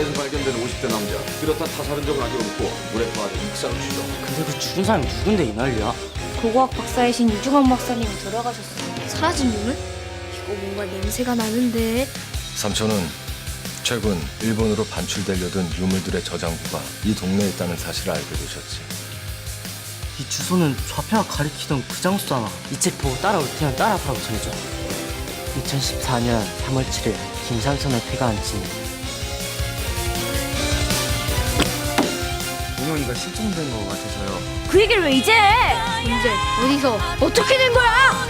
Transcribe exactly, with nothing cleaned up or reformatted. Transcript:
바다에서 발견된 오십 대 남자. 뚜렷한 타살은 적은 아니었고 물에 빠져 익사로 추정. 근데 그 죽은 사람이 누군데 이 난리야? 고고학 박사이신 유중원 박사님이 돌아가셨어요. 사라진 유물? 이거 뭔가 냄새가 나는데. 삼촌은 최근 일본으로 반출되려던 유물들의 저장고가 이 동네에 있다는 사실을 알게 되셨지. 이 주소는 좌표가 가리키던 그 장소잖아. 이 책 보고 따라올 테면 따라가라고 전해줘. 이천십사 년 삼월 칠일 김삼선의 피가 안친 동영이가 실종된 것 같아서요. 그 얘기를 왜 이제 해? 언제? 어디서? 어떻게 된 거야?